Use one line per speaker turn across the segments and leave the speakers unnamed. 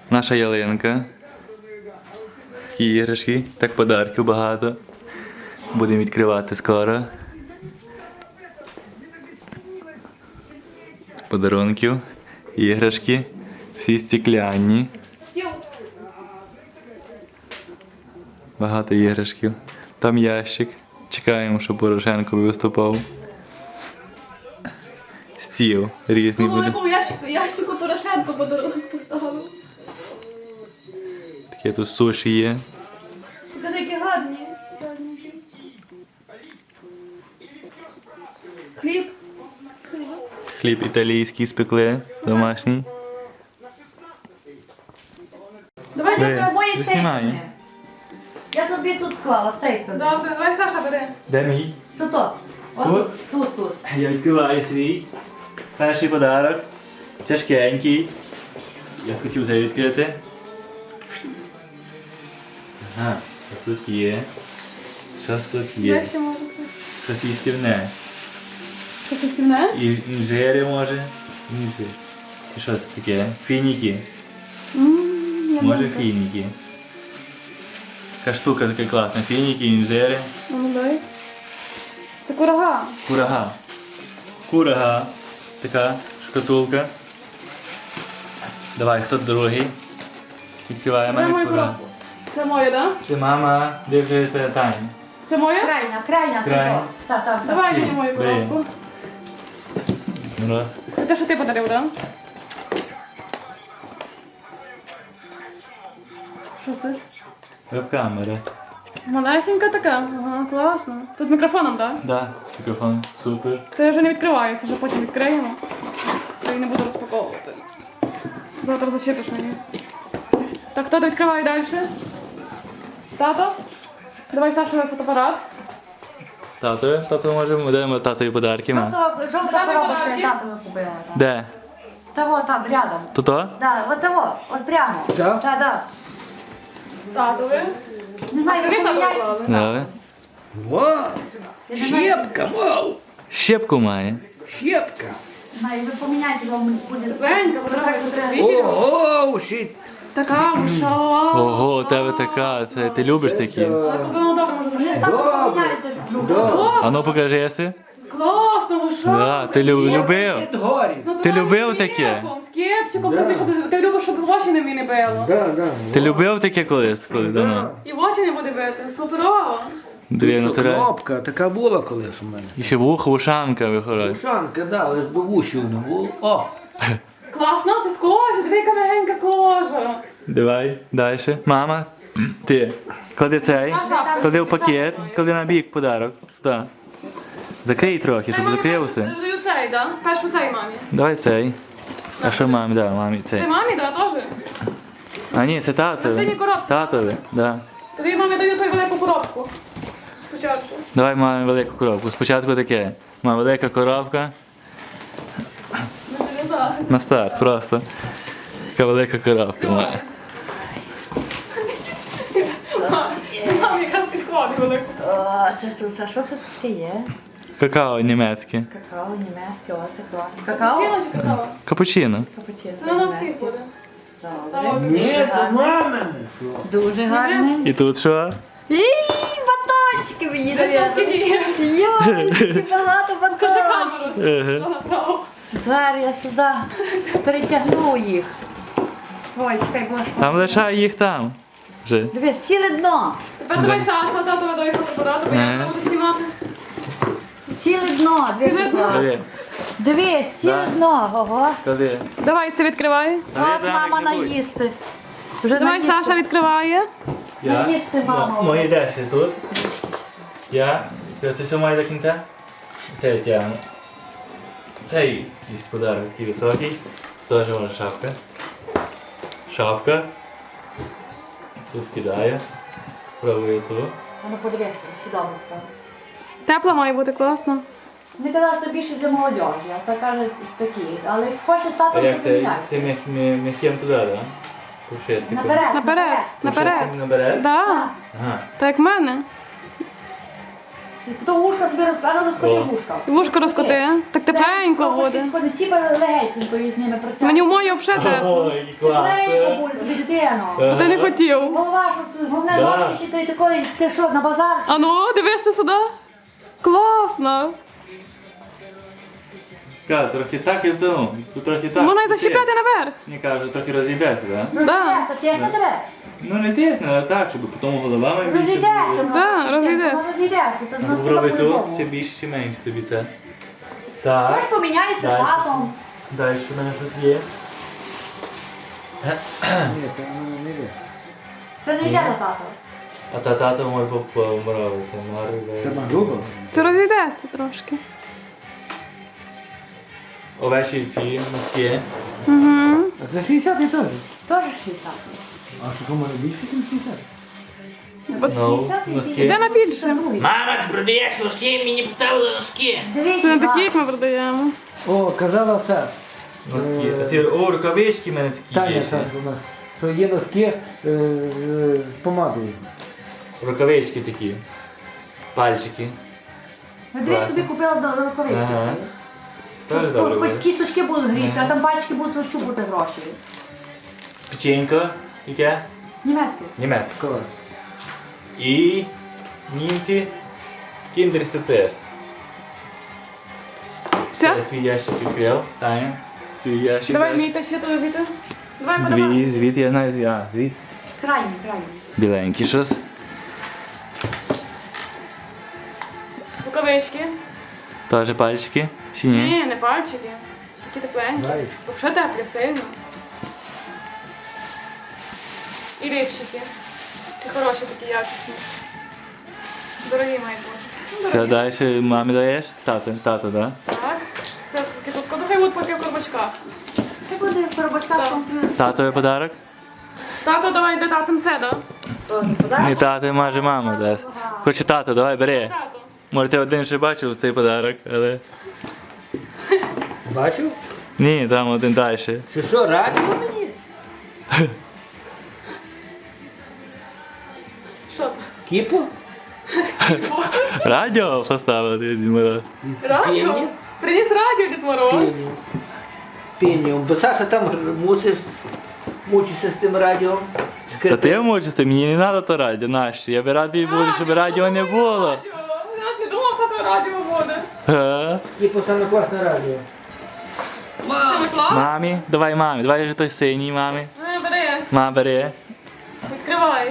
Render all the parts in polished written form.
Наша ялинка. Такі іграшки, так подарків багато. Будемо відкривати скоро. Подарунків, іграшки, всі стекляні. Багато іграшків. Там ящик. Чекаємо, щоб Порошенко виступав. Стіл різний буде.
Ну, ящику Порошенко подарунок поставив.
Таке тут суші є.
Покажи, які гарні. Чорненькі. Хліб.
Хліб італійський спекли, домашній.
Давай
Бери,
я
Обоє
знімаю.
сейфи. Я тобі тут клала, сейф туди.
Добре, давай Саша бери.
Де мій?
Тут. Тут.
Я відкриваю свій перший подарок. Тяжкенький. Я хотів це відкрити. Ага, що тут є? Що тут є?
Де ще можна?
Щось їстівне.
Що це стільне?
І інжири може. Інжир. І що це таке? Фініки. Може фініки. Така штука така класна. Фініки, інжири.
Ну, дай. Це курага.
Курага. Курага. Така шкатулка. Давай, хто другий? Відкриває
Давай
мене
мою
курага.
коробку. Це моє, так?
Ти мама, де вже питання?
Це моє?
Крайня.
Крайня.
Так.
Давай
Ці,
мені мою
бери.
коробку.
Раз.
Це те, що ти подарив, так? Що це?
Веб-камера.
Малесенька така. Ага, класно. Тут з мікрофоном, так?
Да, мікрофон. Супер.
Це вже не відкривається, вже потім відкриємо. То і не буду розпаковувати. Завтра зачепиш мені. Так, хто відкриває далі? Тато? Давай Сашовий фотоапарат.
Тато можемо, даємо татові подарки. Ма.
Жовта
Давай
коробочка,
подарки.
я татові купила.
Де?
Того там, рядом.
Тут-то?
Да, от того, от прямо.
Так?
Да.
Татові.
Не знаю,
Це ви тато
поміняйте.
поклали?
Давай.
Во! Щепка, мов!
Щепку має.
Щепка!
Не знаю, ви поміняйте, вам буде.
Зенька, потрапити.
Ого, щит!
Така уша.
Ого, у тебе така. Ти любиш такі?
Але купила добре, може
Вони
зробити.
з татом поміняються з другом.
А ну покажи єси.
Класно, уша.
Да, ти любив?
Під горі!
Ти любив таке?
З кепчиком, ти любиш, щоб в очі не мені било.
Да.
Ти любив таке колись, коли давно?
І в очі не буде бити. Суперово.
Дві натуральні.
Кнопка, така була колись у мене.
І ще вухо, ушанка виходить.
Ушанка, да, але ж до вушів не було. О!
Класно, це з кожи, диви, яка мягенька кожа.
Давай, далі. Мама, ти. Клади цей, клади в пакет, клади на бік подарок. Сюди. Закрий трохи, щоб закрився.
Даю цей, да? Першу цей мамі.
Давай цей. А що мамі? Да, мамі цей.
Це мамі, да, теж?
А ні, це
На синій
татові.
коробці.
Татові, да.
Тоді мамі даю твою велику коробку. Спочатку.
Давай мамі велику коробку. Спочатку таке. Мама велика коробка.
Не зав'язала.
На старт просто. Така велика коробка має.
Мамі якраз підходить велику.
О, це тут, а що це таке є?
Какао німецьке.
Какао, німецьке, оце класно. Какао?
Капучино чи какао?
Капучино.
Капучино.
Це на всіх буде.
Добре.
Ні, це мамине!
Дуже гарний.
І тут що?
Батончики мені
Дивись, там скільки є.
Йой, скільки багато
Покажи
батончиків.
камеру.
Ага.
Зараз я сюди перетягну їх. Ой, чекай, боже.
Там лишай їх там. Вже.
Дивись, ціле дно.
Тепер давай Саша, тато дай фотоапарат, бо я буду знімати.
Ціле дно.
Ціле дно.
Бери.
Дивись, ціле
Да.
дно. Ого.
Клади.
Давай, це відкривай.
От мама наїсти. Вже
Давай Саша відкриває.
Наїсти, мама.
Мої деші тут. Я. Це все має до кінця. Це я тягну. Цей якийсь подарок такий високий. Теж вона шапка. Шапка. Тут скидаю. Пробую цю.
Ну подивися, чи добре.
Тепла має бути, класно.
Не казав, що більше для молодежі, а то кажуть такі. Але як хочеш стати,
А
то
як це?
поміняй.
Це м'яким туди, так? Пушистиком.
Наперед,
Наперед, наперед.
Пушистиком наперед?
Да,
Ага.
так як в мене.
То вушка собі розкоти
О.
вушка.
Вушко розкоти. Так тепленько буде.
Всі легесенько із ними працювати.
Мені в мої взагалі тепло.
Ой, який клас.
Легенько буде, тобі дитино.
А ти не хотів.
Голова, що головне
Да.
ножки ще ти такої, ти що, на базар?
А ну, дивися сюди. Класно.
Кажу, трохи так і ну, тут трохи так.
Можна й защіпляти наверх.
Мені кажуть, трохи розійдеться, так?
Розійдеться, тисне тебе.
Ну не тисне, але так, щоб потім голова має більше.
Розійдеться.
було.
Да, розійдеться.
Розійдеться. Ти
А
ж
попробуй цю,
по-любому.
чи більше, чи менше тобі це.
Можеш
Так.
поміняєшся з
Дальше.
татом.
Далі в мене щось є.
Ні, це воно не йде.
Це не йде до тата.
А та тата може помравити.
Це грубо.
Це розійдеться трошки.
Овечі ці носки.
Угу.
А це 60 теж.
Теж 60.
А що, може більше, ніж 60?
Ну,
60
носки.
Йде на більше.
Мама, ти продаєш носки, мені поставили носки.
Дивіться,
Це не такі, як ми продаємо.
О, казала це.
Носки. А ці, о, рукавички в мене такі
Таня
є.
Саш
ще.
у нас. Що є носки з помадою.
Рукавички такі. Пальчики.
Дивись, тобі купила до рукавички.
Ага. Теж добре
Хоч
буде.
кісточки будуть грітися, а там пальчики будуть, то що буде гроші.
Печенько. Яке?
Німецьке.
Німецьке.
Коли?
І німці. Kinder Surprise.
Все?
Я свій ящик відкрив. Таня. Свій ящик.
Давай
дальше.
мій ще туди звідти. Давай подавай.
Дві, звіт, я знаю, звіт. А, звіт.
Крайній, крайній.
Біленький щось.
Рукавички.
Теж пальчики. Чи ні?
Ні, не пальчики. Такі тепленькі.
Знаєш.
То вже теплі, сильно. І ліпчики. Ці хороші такі якісні. Дорогі мають бути.
Все, далі мамі даєш? Тато, да?
Так. Це тут кодухи будуть поки в коробочках.
Ти буде в коробочках
Так.
там собі
Татові подарок?
Тато, давай до татам це, да?
теж
Ні,
подаєш.
тато може мама дасть. Хоче тато, давай бери.
Тато.
Може ти один ще бачив цей подарок, але...
Бачив?
Ні, там один далі.
Це що, радіо мені?
Що?
Кіпу?
Радіо поставили, Дід Мороз.
Радіо?
Піні?
Приніс радіо, Дід Мороз.
Піні. Піні. Бо Саша там мучишся з тим радіо.
Та ти мучишся, мені не треба то радіо, нащо? Я би радий буду, щоб радіо не було.
Радіо. Я не думав, що то радіо буде.
Га?
Кіпу саме класне радіо.
Що ви клас?
Мамі, давай же той синій, мамі.
Бери,
Ма, бери.
відкривай.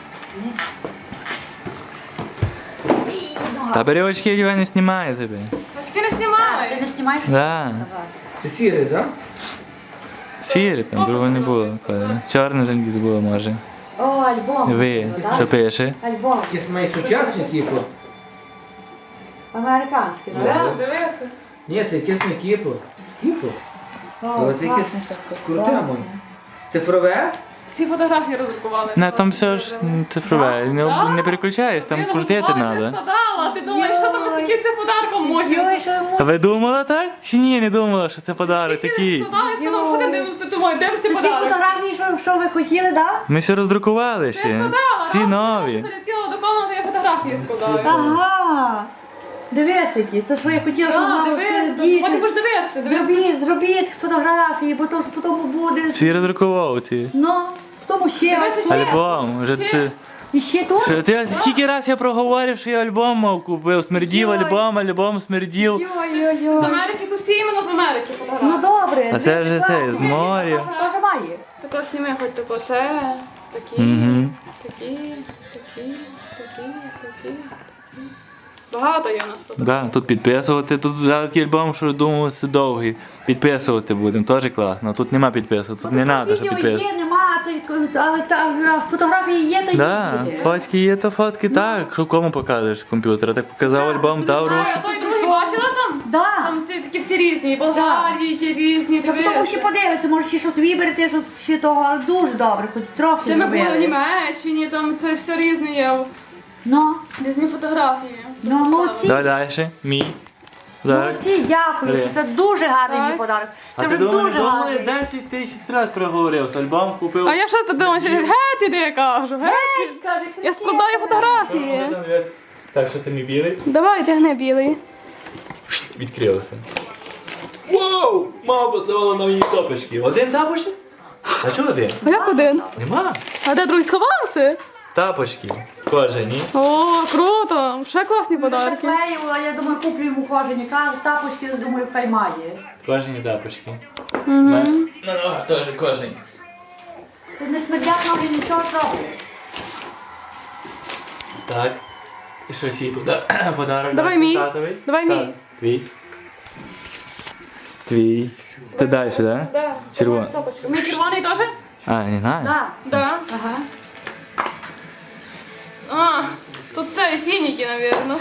Та бери очки, я не знімаю тебе.
Очки не
Ти
знімай.
не знімаєш?
Да.
Давай.
Це сірий, так?
Сірі, там другого не було. Чорне там десь було, може.
О, альбом.
Ви,
Да?
що пише?
Альбом.
Якийсь має сучасний кіпу.
Американський,
Да,
так?
дивися.
Ні, це якийсь не кіпу. Кіпу? Але це якесь круте, моє. Цифрове?
Всі фотографії роздрукували.
На там все ж цифрове, не переключаєш, там крутити треба.
складала, ти думаєш, що там з яким це подарком
Йой,
може?
що йому
А ви думала так? Чи ні, не думала, що це подарок такий?
Складала і сказав, що ти дивишся, ти думаєш, де б це
ті
подарок?
фотографії, що ви хотіли, так?
Ми все роздрукували
Я
ще.
складала,
Всі нові.
Я залетіла до комнати, я фотографії складаю.
Ага. Дивись, які. То, що я хотіла, щоб
А,
мама
дивись, потім будеш дивитися, дивись.
Зробіть фотографії, бо то ж потім буде.
Всі роздрукував ці.
Ну, тому ще.
Дивися, ще.
Альбом. Вже
Ще.
ти.
І ще тут?
Що ти скільки раз я проговорив, що я альбом мав купив. Смердів
Йой.
альбом смердів.
З
Йой-йой-йой.
Америки, тут всі іменно з Америки
Ну
фотографії.
добре.
А це вже
класно.
це, з моря.
Теж має.
Тако сніми хоч тако, це, такі,
Мгм.
такі. Багато є у нас фотографій.
Да, тут підписувати, тут взяли такий альбом, що думав, це довгий. Підписувати будемо, теж класно. Тут нема підписувати, тут не треба, що
Відео
підписувати.
є, нема, але фотографії є, то
Да,
є.
фотки є, то фотки так. Що кому покажеш комп'ютер? Так показав альбом, дав руку.
А той другий бачила там?
Да.
Там такі всі різні, і Болгарії є різні,
Тобто тому ще подивитися, може ще щось виберете, що ще того, але дуже добре, хоч трохи
Де ми були в
зробили.
Німеччині, там це все різне є.
Ну,
Різні фотографії.
ну молодці.
Давай далі. Мій. Так.
Молодці, дякую.
Бери.
Це дуже гарний
Так.
мій подарок.
А
Це
ти
вже
думали,
дуже гарний.
10 тисяч разів проговорив, альбом купив.
А я щось тут думаю, що геть іде, я кажу, геть.
Каже,
Я складаю фотографії.
Так, що це мій білий?
Давай, тягни білий.
Відкрилося. Вау! Мама поставила нові топочки. Один тапочок? А чого один?
А як один?
Нема.
А де другий сховався?
Тапочки. Кожані.
О, круто! Ще класні подарки.
Заклеїв, а я думаю, куплю йому кожені тапочки, думаю, хай має.
Кожані тапочки. На ногах теж кожані.
Тут не смердять ноги, нічого добре.
Так. І щось їй подарок.
Давай
дати
мій.
татові?
Давай
Так.
мій.
Твій. Твій. Ти далі, так? Да?
Да.
Червоний.
Стопочка. Мій червоний теж?
А, не знаю.
Так.
Да.
Ага.
А, тут це фініки, напевно.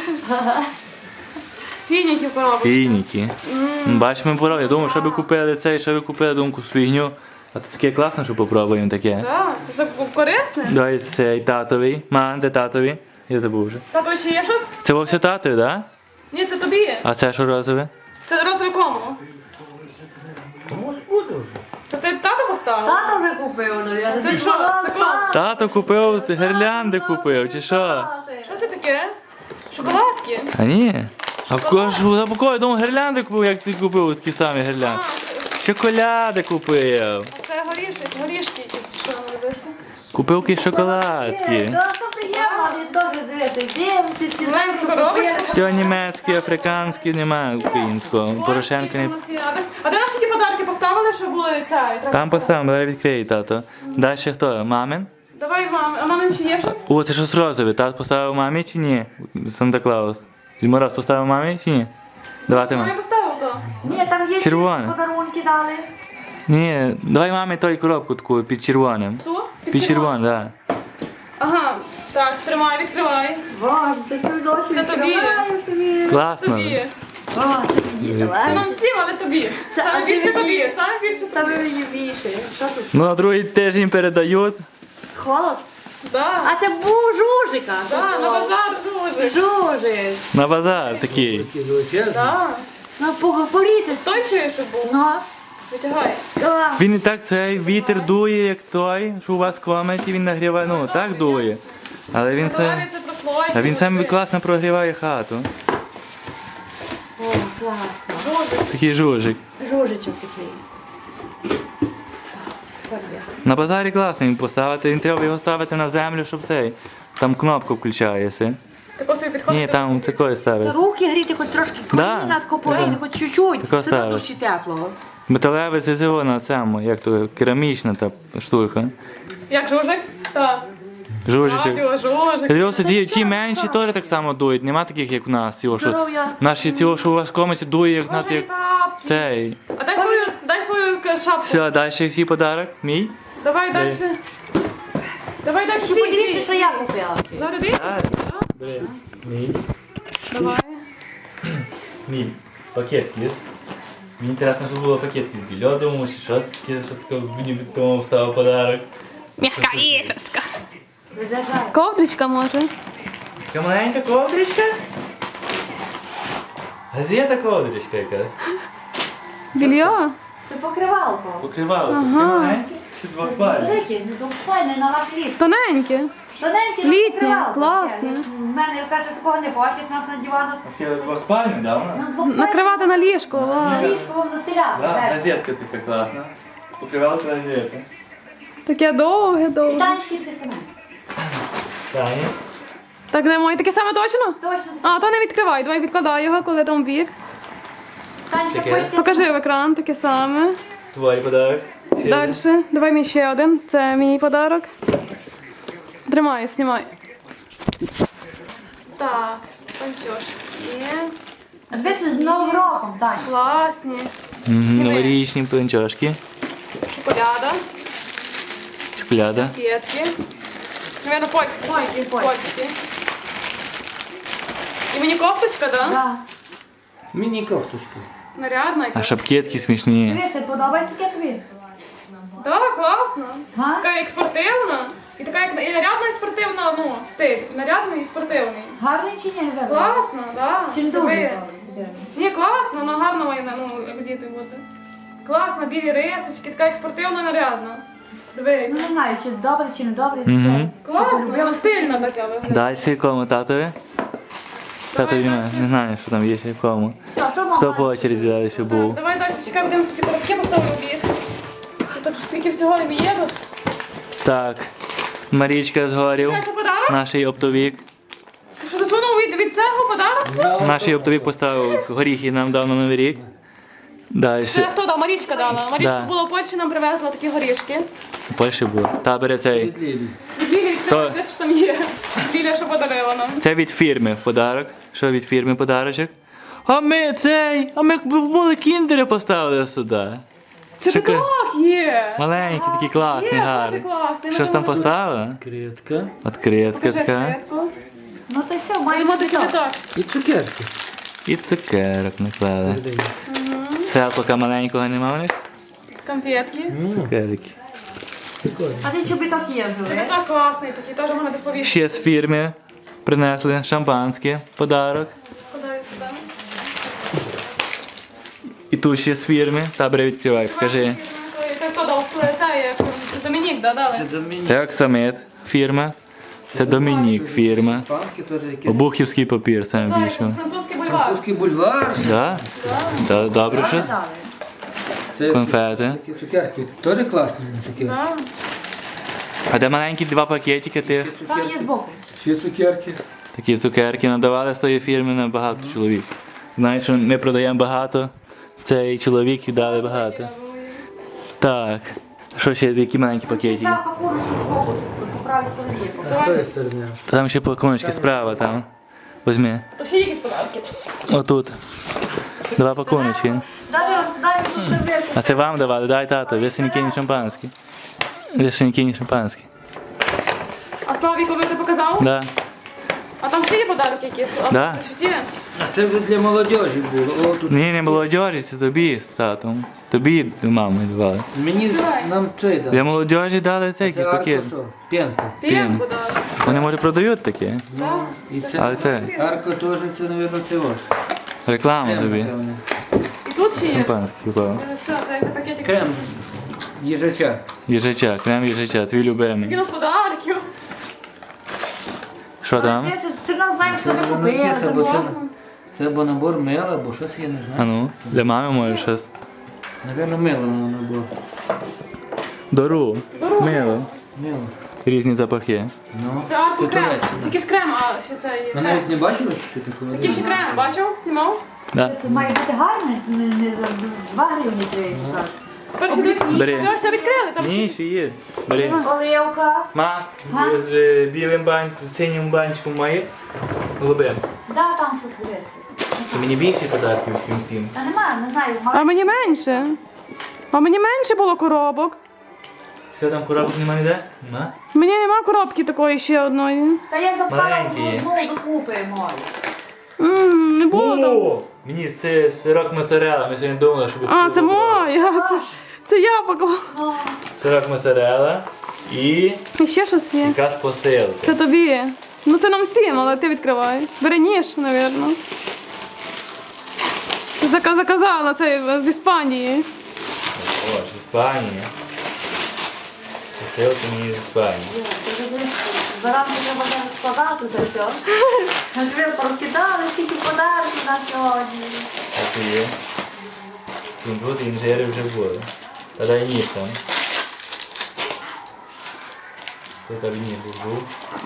Фініки в коробочці.
Фініки. Бач, ми порав. Я думав, що ви купили цей, що ви купили думку фігню. А то таке класно, що попробуємо таке.
Так, це все корисне.
Давай цей татовий. Мам, де татовий? Я забув вже.
Тато, ще є щось?
Це вовсе татові, так? Да?
Ні, це тобі.
А це що розове?
Це розовий кому?
Комусь буде вже.
Це ти тато поставив?
Тато вже купив, ну я
Це що? Це клас.
Тато купив, ти гірлянди купив, чи що?
Що це таке? Шоколадки?
А ні. А в кого я думав, гірлянди купив, як ти купив такі самі гірлянди. Шоколади купив.
А це горішки якісь, що там робиться.
Купив якісь шоколадки.
Що приємно, але добре дивитися. Дивимося, всі знаємо, що
Коробочка?
купили.
Все німецьке, африканське, немає українського. Порошенко не...
А де наші ті подарки поставили, що були ця?
Там поставимо, давай відкриє тато. Далі хто? Мамин?
Давай, мам. А мамин ще є щось?
О, це щось розове. Тато поставив мамі чи ні? Санта-Клаус. Дід Мороз поставив мамі чи ні? Давайте
Я
мамі.
поставив то.
Ні, там є
Червоне.
ще подарунки дали.
Ні, давай мамі той коробку таку під червоним.
Ту?
Під червоним, так.
Ага. Так, тримай, відкривай.
Боже, це півночі.
Це тобі.
відкриваю собі.
Класно.
Тобі.
О, це мені,
Це
давай.
нам всім, але тобі.
Це
Саме більше
тобі.
тобі. Саме більше
Та
тобі.
ви мені більше. Що тут?
Ну, на другий тиждень передають.
Холод?
Да.
А це був жужика.
Да, на базар дуже.
Жужик.
На базар такий.
Такі величезні.
Да.
Ну, поговорити.
Той чуєш, що був?
Ну,
Витягай.
Він і так цей вітер дує, як той, що у вас в комнаті, він нагріває, ну так дує. Але він
Далі
це.
це прослойки.
А він сам класно прогріває хату.
О, класно.
Такий жужик.
Жужичок такий.
На базарі класно він поставити, він треба його ставити на землю, щоб цей. Там кнопка включається.
Тако собі підходить.
Ні, там такої ставиться.
Руки гріти хоч трошки
Да.
коліна, коплейни, хоч чуть-чуть.
Тако
Все одно
ставиш.
душі теплого.
Металеве це зиво на цьому, як то керамічна та штука.
Як жужик? Так.
Жужичок.
Жужик.
Дивіться, ті менші теж так само дують, нема таких, як у нас. Цього, що,
Здоров'я.
наші цього, що у вас в комнаті дує, як на
Може,
як
тапки.
цей.
А дай свою шапку.
Все, далі який подарок? Мій?
Давай далі. Давай далі.
Ще подивіться, що я купила.
Зараз дивись.
Бери. Мій.
Давай.
Мій. Пакет є. Мені інтересно, щоб було пакетки з льодом, чи що це таке, що таке мені від того став подарок.
М'яка іграшка.
Розважай.
Ковдричка може.
Така маленька ковдричка. Газета ковдричка якась.
Більйо?
Це покривалко.
Покривало. Таке маленьке чи двохпальне?
Велике, ну то файне на ваш літ.
Тоненьке.
Тоненьке,
Літнє,
покривалко.
класне.
У мене, каже, такого не хоче, як нас на дивану.
Таке двохспальне, да, вона?
Ну, двох
Накривати на ліжко.
на
ладно.
ліжко вам застеляти.
Да,
верх.
газетка така класна. Покривало газета.
Таке довге,
І
довге.
танчики таке саме.
Таня.
Так, де моє таке саме точно?
Точно.
А, то не відкривай, давай відкладай його, коли там в бік.
Танчики
Таке.
пойте.
Покажи в екран таке саме.
Твій подарок. Ще
Далі. Давай мені ще один. Це мій подарок. Тримай, знімай. Так, панчошки.
Дивися з Новим роком, Тань.
Класні.
Новорічні панчошки.
Шоколяда,
Шоколяда.
кетки. Наверно, польські.
Польські.
Польські. І мені кофточка, да?
Да.
Міні кофтушки.
Нарядна
А
якась.
шапкетки смішні.
Дивися, подобається таке тобі?
Так, класно.
Га?
Така як спортивна. І така як і нарядна, і спортивна, ну, стиль. І нарядний, і спортивний.
Гарний чи ні? Видно?
Класно, так.
Чи не
Да.
дуже?
Ні, класно, але гарно має, ну, як діти бути. Класно, білі рисочки, така як спортивна, нарядна. Диви.
Ну не знаю, чи добре, чи не добре.
Мгм.
Класно, ну, стильно така виглядає.
Далі кому татові? Тато не знаю, що там є ще в кому.
Все, що мама?
Хто по очереді далі ще був.
Давай далі чекай, будемо ці коробки поставимо біг. Тут стільки всього не є тут.
Так, Марічка згорів,
Це подарок?
наш оптовік.
Ти що засунув від цього подарок?
Наш оптовік поставив горіхи нам дав на Новий рік. Далі.
Це хто дав? Марічка дала. Марічка
Да.
була в Польщі, нам привезла такі горішки.
У Польщі було. Та бере цей.
Від Лілі.
Лілі відкрила, десь що там є. Ліля, що подарила нам.
Це від фірми подарок. Що від фірми подарочок? А ми були кіндери поставили сюди.
Це
Чекай.
так є.
Маленькі, такі класні,
Є, дуже
гарні.
класний. Ми
Щось там
думали,
поставили?
Критка.
Откритка
Покажи
така.
відкритку.
Ну то все, має
Будемо
бути
такі
так.
так.
І цукерки.
І цукерок наклали.
Всередині.
Селпака маленького нема в них?
Конфетки.
Цукерки.
Прикольно.
А ти чобіток є
Це
вже?
так класний, такий теж можна відповісти.
Ще з фірми принесли шампанське, подарок.
Складаю сюди.
І тут ще з фірми. Табре відкривай, покажи.
Це хто дав? Це є Домінік, да, дали?
Це Домінік.
Це Оксамит фірма. Це Домінік фірма.
Шампанське теж якесь.
Обухівський папір, саме
Так,
більше.
французький бульвар.
Французький бульвар.
Да? Да, добре щось?
Дали.
Це
Конфети.
такі цукерки. Теж класні цукерки.
Да.
А де маленькі два пакетики тих?
Там є збоку.
Ще цукерки.
Такі цукерки надавали з тої фірми на багато чоловік. Знаєш, що ми продаємо багато, цей чоловік віддали багато. Так. Що ще, які маленькі пакетики?
Там пакуночки збоку, по правій стороні.
З тої сторони.
Там ще пакуночки справа там. Візьми.
То ще є якісь подарки.
Отут. Два пакуночки.
Дай тут серветку.
А це вам давали, дай тато, весенький шампанський. Весенький шампанський.
А Славіку ви ти показав?
Да.
А там ще є подарки якісь?
Да.
Що ті?
А це вже для молодежі було. О, тут.
Ні, не молодежі, це тобі з татом. Тобі мамі давали.
Мені
Давай.
нам цей
Для
дав.
молодежі дали цей
Це
якийсь пакет.
Арко що? П'янка.
П'ємку дали.
Вони може продають таке.
Так.
І
Але
це.
це
Арко теж, це, мабуть, це ваш.
реклама
Крем,
тобі.
напевне.
І тут ще є.
Шампанський впав.
Все, це пакетик.
Крем. Їжача.
Їжача, крем їжача, твій любимий.
Скинув подарків.
Що там?
Ми все одно знаємо, що ми купили.
Це або
там
це,
класно.
це або набор мила, або що це, я не
А
знаю.
ну, для мами може щось.
Напевно, мило набор.
Дору. Мило.
Мило.
Різні запахи.
Ну,
Це арку крем.
Туреччина.
Це якийсь крем, а ще це є.
Ви
крем.
навіть не бачили, що таке?
Який ще крем, бачив? Знімав?
Да.
Це має бути гарне, не за 2 гривні треба.
Тепер сюди.
Бери.
Все відкрили, там
Ні, ще є. Бери.
Оливка.
Ма, з білим банчиком, з синім банчиком має. Голубим.
Да, там щось дивиться.
Це мені більше подарків, ніж всім.
Та нема, не знаю.
А мені менше. А мені менше було коробок.
Все там коробок нема ніде? Нема?
Мені нема коробки такої ще одної.
Та я запхала
Маленькі є.
знову докупи маю.
Не було там.
О, мені це сирок моцарелла, ми сьогодні думали, що буде.
А, це моя. Це я поклала.
Сирок моцарелла і
І ще щось є.
якась посилка.
Це тобі. Ну це нам всім, але ти відкривай. Бери ніж, напевно. Заказала це з Іспанії.
О, з Іспанії. Посилка мені з Іспанії.
Заранку треба вже складати це все. Ви порозкидали, скільки подарунків на сьогодні.
А це є. Тут інжири вже були. Та дай ніж там. Тут там ніж був.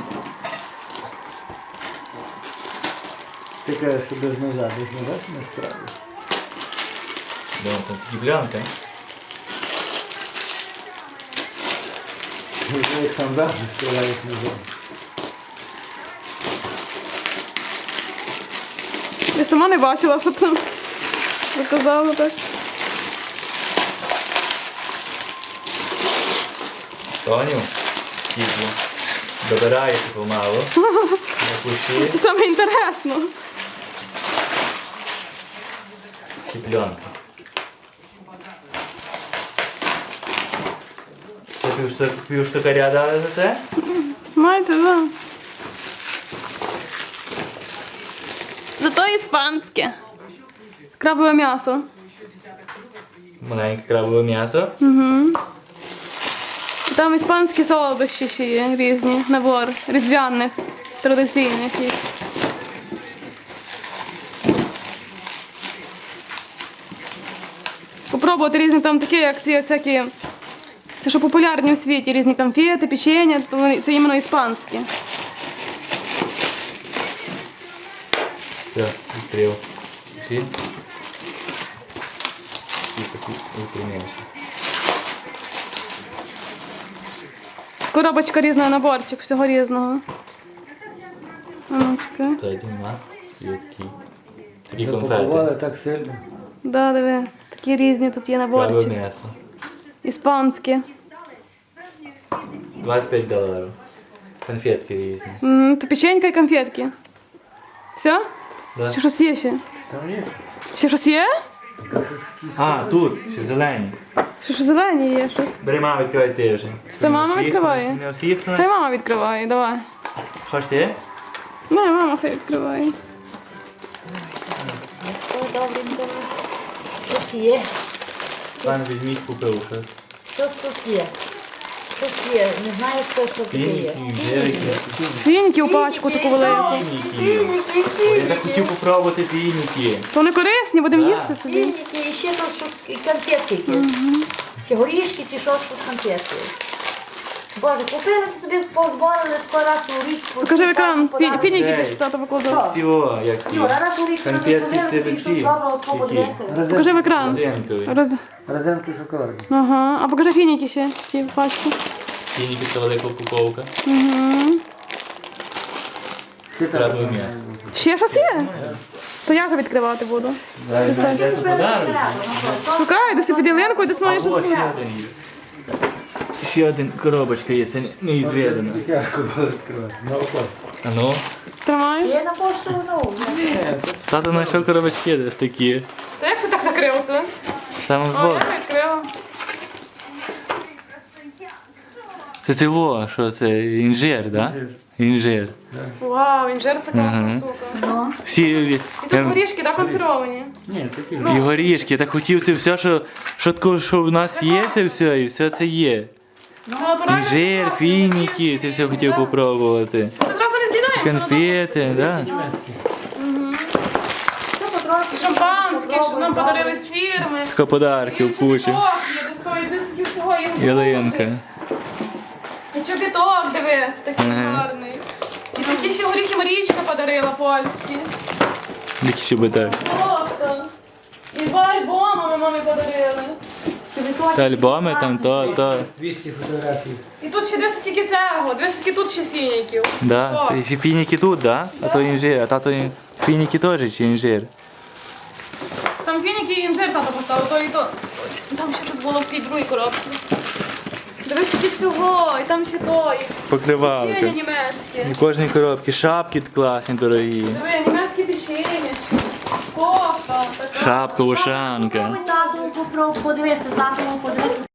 Ти кажеш, що без ножа, без ножа це не справиш.
Думаю, там такі плянки.
Як сам завжди стріляють ножом.
Я сама не бачила, що там. Заказала так.
Тоню, кідло. Добирається помалу. На кущі.
Це саме інтересно.
Ці пленки. Це півштукаря дали за це?
Майже, да. Зато іспанське. Крабове м'ясо.
Маленьке крабове м'ясо.
Там іспанські солодощі ще є різні, набор різдвяних, традиційних. їх. попробувати різні там такі, як ці всякі. Це що популярні у світі, різні конфети, печення, то це іменно іспанські.
Все, відкрив. Всі? І такі випрямляєш.
Коробочка різна, наборчик, всього різного. А ну, чекай.
Та йди нема. І такі. Такі
Запакували
конфети.
так сильно.
Да, диви, такі різні тут є
Праве
наборчик.
м'ясо.
Іспанські.
$25. Конфетки різні.
То печенька і конфетки. Все?
Да.
Чи щось є ще?
Там є?
Ще щось є?
А, тут, ще зелені.
Ще щось зелені є щось.
Бери, мама, відкривай ти вже.
Це мама
Всіх,
відкриває?
Не всіх,
Хай мама відкриває, давай.
Хочеш ти?
Не, мама хай відкриває.
Ой, добренько. Щось є.
Пан візьміть, купив щось.
Щось тут є. Щось є. Не знаю, що таке є.
Фініки, джерики.
Фініки у пачку таку велику.
Фініки. Ой, я так хотів попробувати фініки.
То вони корисні, будемо їсти собі.
Фініки і ще там щось конфетки якісь. Чи горішки, чи щось конфетки. Боже, купили собі, позборили скоро раз у рік.
Покажи в екран. Фініки
Ей.
ти що тато покладав.
Всього, як ті.
Юра, раз у рік
Конфетки
купили
це
собі, щось
ці.
доброго подивитися.
Покажи в екран.
Зенкові.
Родзинки шоколадні.
Ага. А покажи фініки ще, ті в пачку.
Фініки це велика упаковка.
Угу.
Ще
Треба
так.
м'ясо.
Ще щось є? То я вже відкривати буду.
Де тут подарунок?
Шукай, десь під ялинкою, десь маєш щось
Ось ще
було.
один є. Ще один коробочка є, це неізведено.
Тяжко було відкривати. На око.
А ну?
Тримай.
Є на пошту, ну.
Тато знайшов коробочки десь такі.
Та як ти так закрив це?
Там
О,
збоку.
я відкрила.
Це цього, що це інжир, так? Інжир.
Вау, інжир це класна
Ага.
штука.
Всі
І тут горішки, так, консервовані.
Ні, такі.
і горішки. Я так хотів це все, що в нас є, це все, і все це є.
Це натуральне
Інжир,
класне.
фініки, це все хотів попробувати.
Це зразу не з'їдаємо.
Конфети, так?
Що потрохи?
Шампанське, що нам подарили з фірми.
Така подарків куча.
Чобіток є, де стоїть десь всього іншого.
Ялинка.
І чобіток, дивись, такий
Ага.
гарний. І такі ще горіхи Марічка подарила польські.
Які ще битар.
Просто. І два альбоми ми мамі подарили.
Та альбоми там, то.
200 фотографій.
І тут ще дивись, скільки цього, дивись, скільки тут ще фініків.
Да.
Що?
І ще фініки тут, да? А то інжир, а тато фініки теж чи інжир.
Там фініки і інжир тато поставив, то і то. Там ще щось було в тій другій коробці. Дивись, скільки всього, і там ще то, і
Покривалка.
печення німецьке.
І кожній коробці шапки класні, дорогі.
Диви, німецьке печення, кофта, така.
Шапка, ушанка.
Попробуй тату, подивися, тату, подивися.